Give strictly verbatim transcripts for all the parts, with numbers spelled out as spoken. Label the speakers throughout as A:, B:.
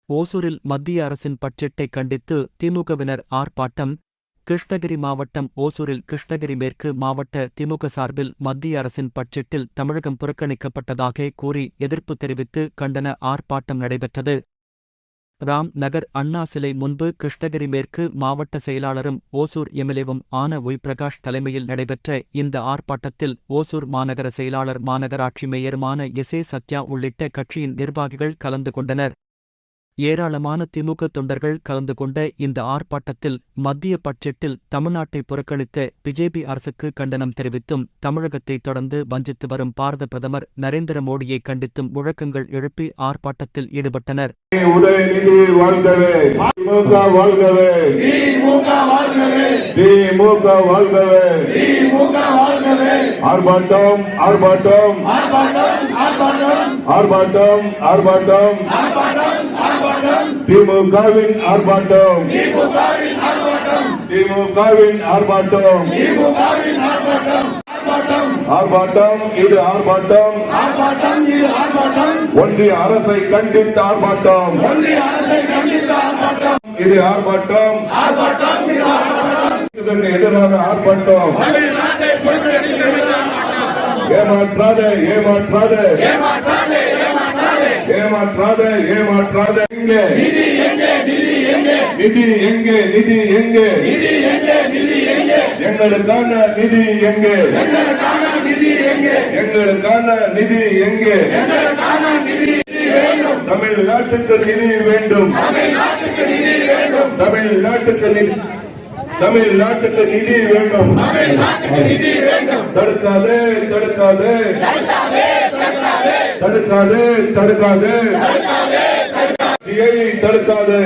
A: ஓசூரில் மத்திய அரசின் பட்ஜெட்டை கண்டித்து திமுகவினர் ஆர்ப்பாட்டம். கிருஷ்ணகிரி மாவட்டம் ஓசூரில் கிருஷ்ணகிரி மேற்கு மாவட்ட திமுக சார்பில் மத்திய அரசின் பட்ஜெட்டில் தமிழகம் புறக்கணிக்கப்பட்டதாக கூறி எதிர்ப்பு தெரிவித்து கண்டன ஆர்ப்பாட்டம் நடைபெற்றது. ராம் நகர் அண்ணா சிலை முன்பு கிருஷ்ணகிரி மேற்கு மாவட்ட செயலாளரும் ஓசூர் எம்எல்ஏவும் ஆன ஒய் பிரகாஷ் தலைமையில் நடைபெற்ற இந்த ஆர்ப்பாட்டத்தில் ஓசூர் மாநகர செயலாளர் மாநகராட்சி மேயருமான எஸ் ஏ சத்யா உள்ளிட்ட கட்சியின் நிர்வாகிகள் கலந்து கொண்டனர். ஏராளமான திமுக தொண்டர்கள் கலந்து கொண்ட இந்த ஆர்ப்பாட்டத்தில் மத்திய பட்ஜெட்டில் தமிழ்நாட்டை புறக்கணித்த பிஜேபி அரசுக்கு கண்டனம் தெரிவித்தும் தமிழகத்தை தொடர்ந்து வஞ்சித்து வரும் பாரத பிரதமர் நரேந்திர மோடியை கண்டித்தும் முழக்கங்கள் எழுப்பி ஆர்ப்பாட்டத்தில் ஈடுபட்டனர்.
B: உதயநிதி வாழ்கவே, திமுக வாழ்கவே, திமுக வாழ்கவே, திமுக வாழ்கவே, திமுக வாழ்கவே. ஆர்ப்பாட்டம் ஆர்ப்பாட்டம் ஆர்ப்பாட்டம் ஆர்ப்பாட்டம் ஆர்ப்பாட்டம் ஆர்ப்பாட்டம் திமுகவின் ஆர்ப்பாட்டம் திமுகவின் ஆர்ப்பாட்டம் திமுகவின் ஆர்ப்பாட்டம் திமுகவின் ஆர்ப்பாட்டம் ஆர்ப்பாட்டம் இது ஆர்ப்பாட்டம் ஆர்ப்பாட்டம் இது ஆர்ப்பாட்டம் ஒன்றிய அரசை கண்டித்த ஆர்ப்பாட்டம் ஒன்றிய அரசை கண்டித்த ஆர்ப்பாட்டம் இது ஆர்ப்பாட்டம் ஆர்ப்பாட்டம் இது ஆர்ப்பாட்டம் இதற்கு எதிரான ஆர்ப்பாட்டம் தமிழ்நாட்டை ஏமாற்றாதே ஏமாற்றாதே ஏமாற்றாதே ஏமாற்றாதே ஏமாற்றாதே எங்கே நிதி எங்கே நிதி எங்கே நிதி எங்கே நிதி எங்கே நிதி எங்கே நிதி எங்கே எங்களுக்கான நிதி எங்கே எங்களுக்கான நிதி எங்கே எங்களுக்கான நிதி எங்கே எங்களுக்கான நிதி வேண்டும் தமிழ்நாட்டுக்கு நிதி வேண்டும் தமிழ்நாட்டுக்கு நிதி வேண்டும் தமிழ்நாட்டுக்கு நிதி தமிழ்நாட்டுக்கு நிதி வேண்டும் தமிழ்நாட்டுக்கு நிதி வேண்டும் தடுக்காதே தடுக்காதே தடுக்காதே தடுக்காதே தடுக்காதே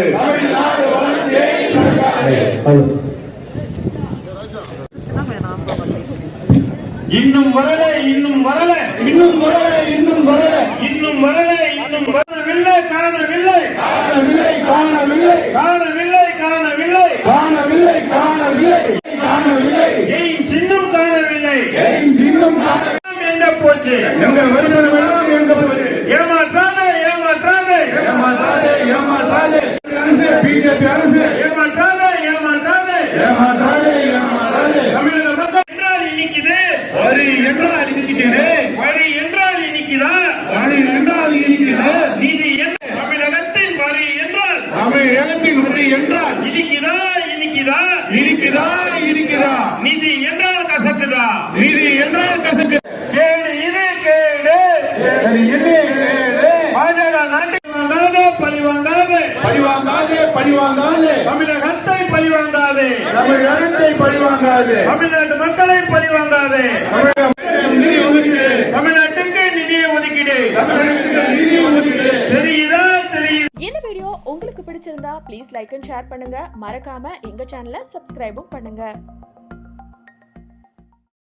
C: இன்னும் வரல இன்னும் வரல இன்னும் வரல இன்னும் வரல இன்னும் வரல இன்னும் வரவில்லை காணவில்லை காணவில்லை காணவில்லை காணவில்லை காணவில்லை காணவில்லை காணவில்லை காணவில்லை ஏன் சின்னம் காணவில்லை ஏன் சின்னம் எங்க போச்சு எங்க வருமானம் எங்க போச்சு ஏமாற்றாதே ஏமாற்றாதே ஏமாற்றாதே ஏமாற்றாதே பிஜேபி அரசு ஏமாற்றாதே ஏமாற்றாதே ஏமாற்றாதே ஏமாற்றாதே தமிழக மக்கள் என்றால் இன்னைக்குது வரி என்றால் இன்னைக்குது வரி என்றால் இன்னைக்குதா வரி என்றால் இன்னைக்குதா நீதி என்ன தமிழகத்தின் வரி என்றால் தமிழகத்தின் வரி என்றால் இன்னைக்குதா இன்னைக்குதா இருக்குதா இருக்குதா நிதி என்றால் கசக்குதா நிதி என்றால் கசக்கு கேடு இது கேடு கேடு இது கேடு பாஜக நாட்டுக்கு வாங்காதே பழிவாங்காதே பழிவாங்காதே பழிவாங்காதே தமிழகத்தை பழிவாங்காதே தமிழகத்தை பழிவாங்காதே தமிழ்நாட்டு மக்களை பழிவாங்காதே நிதி ஒதுக்கீடு தமிழ்நாட்டுக்கு நிதியை ஒதுக்கீடு தமிழ்நாட்டுக்கு நிதி ஒதுக்கீடு தெரியுதா தெரியுது.
D: இந்த வீடியோ உங்களுக்கு பிடிச்சிருந்தா ப்ளீஸ் லைக் அண்ட் ஷேர் பண்ணுங்க. மறக்காம எங்க சேனலை சப்ஸ்கிரைபும் பண்ணுங்க.